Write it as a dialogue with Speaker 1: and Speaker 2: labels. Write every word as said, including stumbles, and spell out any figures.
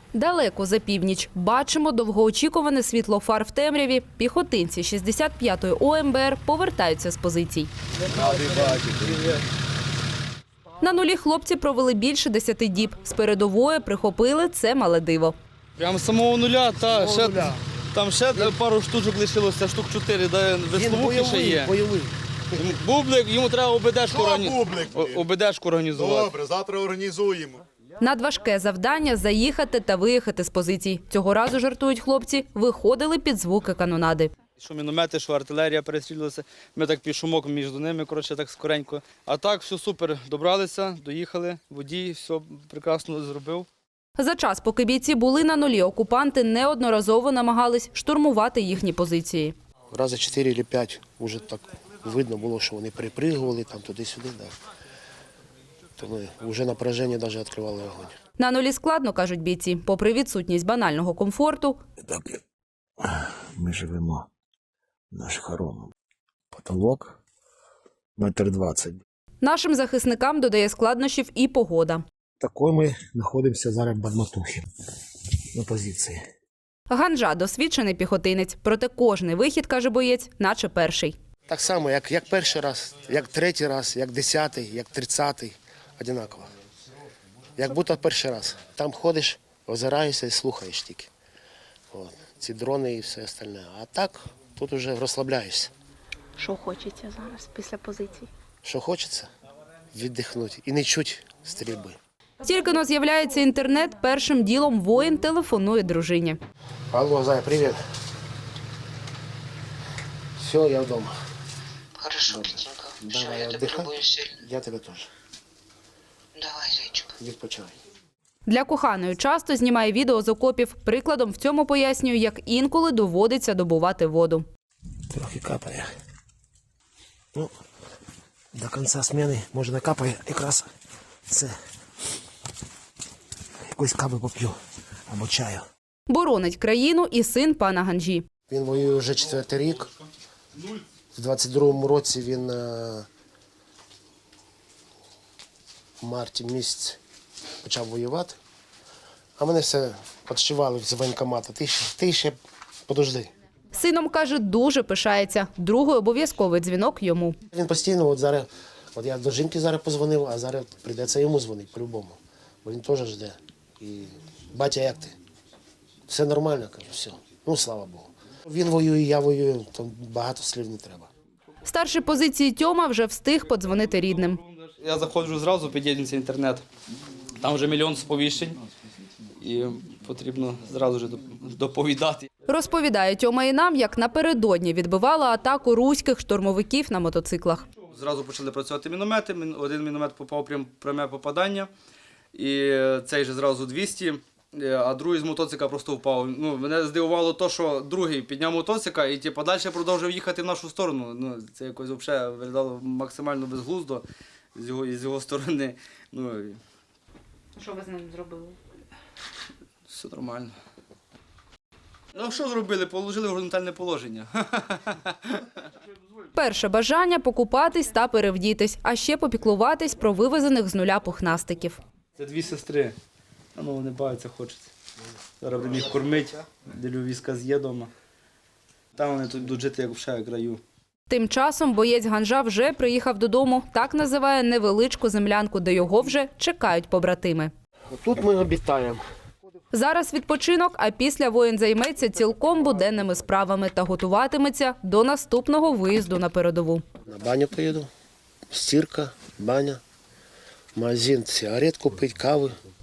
Speaker 1: Далеко за північ бачимо довгоочікуване світло фар в темряві. Піхотинці шістдесят п'ятої О Ем Бе Ер повертаються з позицій. На нулі хлопці провели більше десяти діб. З передової прихопили це мале диво.
Speaker 2: Прямо з самого нуля, та, ще, нуля. Там ще пару штучок лишилося, штук чотири, де весловухи ще є.
Speaker 3: Бойовий.
Speaker 2: Бублик, йому треба ОБДшку, органі... ОБДшку організувати.
Speaker 3: Добре, завтра організуємо.
Speaker 1: Надважке завдання – заїхати та виїхати з позицій. Цього разу, жартують хлопці, виходили під звуки канонади.
Speaker 2: Що міномети, що артилерія перестрілювалася, ми так під шумок між ними, коротше, так скоренько. А так, все супер, добралися, доїхали, водій все прекрасно зробив.
Speaker 1: За час, поки бійці були на нулі, окупанти неодноразово намагались штурмувати їхні позиції.
Speaker 4: Рази чотири або п'ять вже так видно було, що вони припригували там туди-сюди. Да. То ми вже напряження навіть відкривали вогонь.
Speaker 1: На нулі складно, кажуть бійці, попри відсутність банального комфорту.
Speaker 5: Так, ми живемо наш хором. Потолок метр двадцять.
Speaker 1: Нашим захисникам додає складнощів і погода.
Speaker 5: Такою ми знаходимося зараз в Бадматухі на позиції.
Speaker 1: Ганжа – досвідчений піхотинець, проте кожний вихід, каже боєць, наче перший.
Speaker 4: Так само, як, як перший раз, як третій раз, як десятий, як тридцятий. Одинаково. Як будто перший раз. Там ходиш, озираєшся і слухаєш тільки. От. Ці дрони і все остальне. А так, тут вже розслабляєшся.
Speaker 6: Що хочеться зараз після позицій?
Speaker 4: Що хочеться? Віддихнути і не чуть стрільби.
Speaker 1: Тільки-но з'являється інтернет, першим ділом воїн телефонує дружині.
Speaker 4: Алло, Зая, привіт. Все, я вдома.
Speaker 7: Хорошо, Петенька. Все,
Speaker 4: Давай,
Speaker 7: я тебе
Speaker 4: отдыхай.
Speaker 7: люблю сильно.
Speaker 4: Я тебе теж.
Speaker 7: Давай, зайчик.
Speaker 4: Відпочивай.
Speaker 1: Для коханої часто знімає відео з окопів. Прикладом в цьому пояснює, як інколи доводиться добувати воду.
Speaker 4: Трохи капає. Ну, до кінця зміни, може, не капає, якраз це якоїсь кави поп'ю або чаю.
Speaker 1: Боронить країну і син пана Ганжі.
Speaker 4: Він воює вже четвертий рік. В двадцять другому році він е, в марті місяці почав воювати. А мене все підшивали з воєнкомату. Ти, ти ще подожди.
Speaker 1: Сином, каже, дуже пишається. Другий обов'язковий дзвінок йому.
Speaker 4: Він постійно, от зараз, от я до жінки зараз позвонив, а зараз прийдеться йому дзвонити по-любому. Бо він теж жде. І батя, як ти? Все нормально, кажу, все. Ну, слава Богу. Він воює, я воюю, то багато слів не треба.
Speaker 1: Старший позиції Тьома вже встиг подзвонити рідним.
Speaker 2: Я заходжу зразу, під'єднується інтернет. Там вже мільйон сповіщень і потрібно зразу ж доповідати.
Speaker 1: Розповідає Тьома і нам, як напередодні відбивала атаку руських штурмовиків на мотоциклах.
Speaker 2: Зразу почали працювати міномети, один міномет попав прям пряме попадання, і цей же зразу двісті, а другий з мотоцикла просто впав. Ну, мене здивувало те, що другий підняв мотоцикла і типу, далі продовжив їхати в нашу сторону. Ну, це якось взагалі виглядало максимально безглуздо з його, з його сторони. Ну,
Speaker 6: Що ви з ним зробили?
Speaker 2: все нормально. Ну, що зробили? Положили в горизонтальне положення.
Speaker 1: Перше бажання – покупатись та перевдітись, а ще попіклуватись про вивезених з нуля пухнастиків.
Speaker 2: Це дві сестри. А ну, вони бавляться, хочеться. Зараз будемо їх кормити, ділю візка з'є вдома. Там вони тут будуть жити, як в шаю краю.
Speaker 1: Тим часом боєць Ганжа вже приїхав додому. Так називає невеличку землянку, де його вже чекають побратими.
Speaker 4: Тут ми обітаємо.
Speaker 1: Зараз відпочинок, а після воїн займеться цілком буденними справами та готуватиметься до наступного виїзду на передову.
Speaker 4: На баню поїду, стірка, баня, магазин, сигарет купити, кави,